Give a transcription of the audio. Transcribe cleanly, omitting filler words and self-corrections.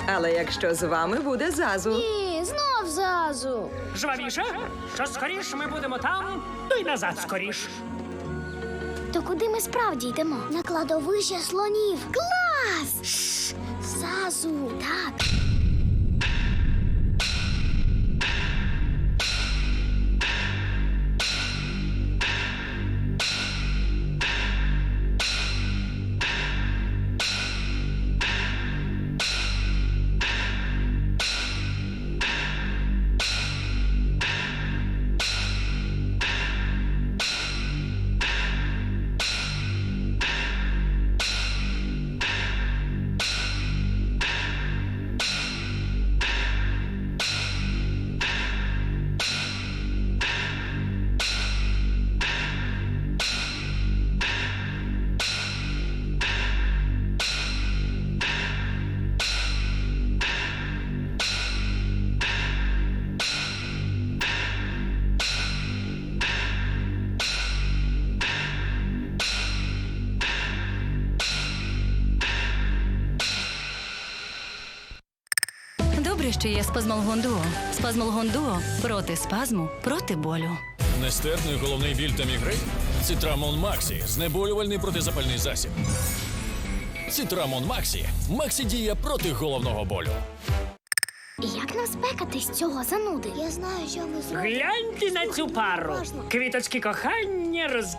Але якщо з вами буде Зазу. Ні, знов Зазу. Жвавіше, що скоріш ми будемо там, то й назад скоріш. То куди ми справді йдемо? На кладовище слонів. Клас! Шш! Зазу. Так. Добре, що є спазмолгон Дуо. Спазмолгон Дуо проти спазму, проти болю. Нестерпний головний біль та мігрень? Цитрамон Максі – знеболювальний протизапальний засіб. Цитрамон Максі – Максі-дія проти головного болю. Як нам спекатись цього зануди? Я знаю, що ми зробимо. Гляньте на цю пару. Квіточки кохання